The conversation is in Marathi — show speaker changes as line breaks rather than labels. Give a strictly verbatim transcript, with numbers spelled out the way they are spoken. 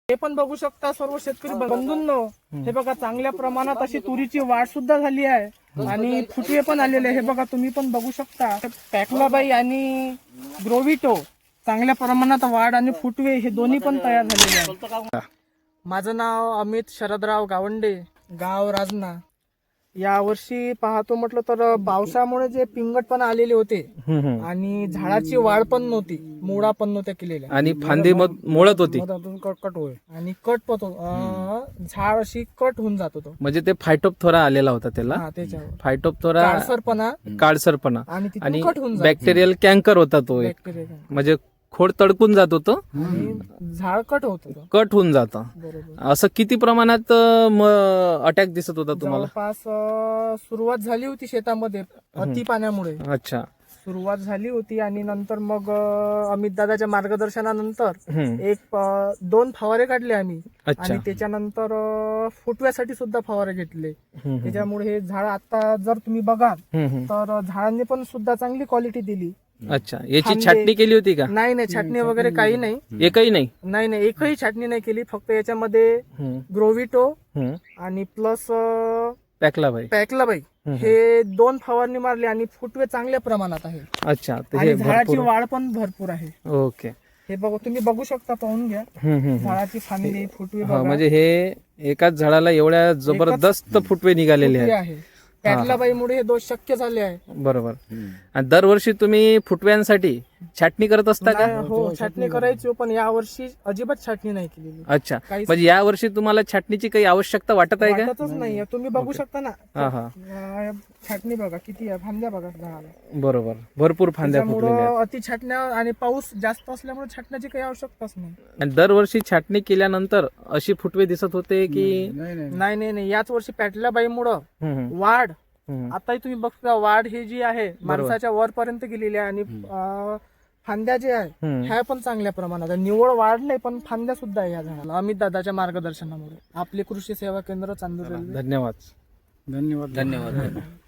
हे पण बघू शकता सर्व शेतकरी बंधूंनो, हे बघा चांगल्या प्रमाणात अशी तुरीची वाढ सुद्धा झाली आहे आणि फुटवे पण आलेले. हे बघा तुम्ही पण बघू शकता. पॅकलाबाई आणि ग्रोविटो चांगल्या प्रमाणात वाढ आणि फुटवे हे दोन्ही पण तयार झालेले आहेत. माझं नाव अमित शरदराव गावंडे, गाव राजना. या वर्षी पाहतो म्हटलं तर पावसामुळे जे पिंगटपणा आलेले होते आणि झाडाची वाढ पण नव्हती, मुळा पण नव्हत्या केलेल्या
आणि फांदी मोळत होती
कट कट होय आणि कट पण झाड अशी कट होऊन जात होतं.
म्हणजे ते फायटोप्थोरा आलेला होता त्याला.
हा, त्याच्यावर
फायटोप्थोरा
काळसरपणा
काळसरपणा
आणि
आणि
तिथून कट होऊन जात
बॅक्टेरियल कॅन्कर होता तो एक.
बॅक्टेरिया
म्हणजे खोड तडकून जात होतं
आणि झाड कट होत होतं.
कट होऊन जातं.
बरोबर.
असं किती प्रमाणात अटॅक दिसत होता तुम्हाला?
जवळपास अं, सुरुवात झाली होती शेतामध्ये अति पाण्यामुळे.
अच्छा.
सुरुवात झाली होती आणि नंतर मग अमित दादाच्या मार्गदर्शनानंतर
हम्म.
एक अं, दोन फवारे काढले आम्ही
अच्छा.
आणि त्याच्यानंतर अं, फुटव्यासाठी सुद्धा फवारे घेतले.
हम्म.
त्याच्यामुळे हे झाड आता जर तुम्ही बघाल
हम्म.
तर झाडांनी पण सुद्धा चांगली क्वालिटी दिली.
अच्छा. याची
फांदे-
छाटणी केली होती का?
नाही नाही छाटणी वगैरे काही नाही.
एकही नाही.
नाही नाही एकही छाटणी नाही केली. फक्त याच्यामध्ये
हम्म.
ग्रोविटो
हम्म.
आणि प्लस
पॅकलाबाई.
पॅकलाबाई हे दोन फवारणी मारली आणि फुटवे चांगल्या प्रमाणात आहे
अच्छा. तर
आणि
हे
झाडाची
भरपूर.
वाढ पण भरपूर आहे.
ओके.
हे बघा तुम्ही बघू शकता, पाहून घ्या
हम्म. हम्म. हम्म.
झाडाची फांदी फुटवे
हा,
बघा.
म्हणजे हे एकाच झाडाला एवढ्या जबरदस्त फुटवे निघालेले
फुटवे
आहेत.
आहे. पॅकलाबाईमुळे हे दोष शक्य झाले आहे.
बरोबर. आणि दरवर्षी तुम्ही फुटव्यांसाठी छाटणी करत असता का?
नाही, हो छाटणी करायची, पण या वर्षी अजिबात छाटणी नाही केलेली.
अच्छा.
काहीच
म्हणजे या वर्षी तुम्हाला छाटणीची काही आवश्यकता वाटत आहे का?
वाटतच नाहीये. तुम्ही बघू शकता ना,
हा हा.
अं, छाटणी बघा किती आहे, फांद्या बघा झाडाला.
बरोबर. भरपूर फांद्या फुटलेल्या आहेत.
त्याच्यामुळं अति छाटण्या आणि पाऊस जास्त असल्यामुळे छाटण्याची काही आवश्यकताच नाही.
आणि दरवर्षी छाटणी केल्यानंतर अशी फुटवे दिसत होते की?
नाही नाही नाही याच वर्षी पॅटलाबाईमुळं
हम्म.
वाढ,
हम्म.
आताही तुम्ही बघता वाढ ही जी आहे माणसाच्या वरपर्यंत गेलेली आहे आणि अं, फांद्या जे आहे
हम्म.
ह्या पण चांगल्या प्रमाणात आहे. निवड वाढ नाही पण फांद्या सुद्धा आहे या झाडाला. अमित दादाच्या मार्गदर्शनामुळे. आपले कृषी सेवा केंद्र, चांदूर रेल्वे.
धन्यवाद.
धन्यवाद.
धन्यवाद.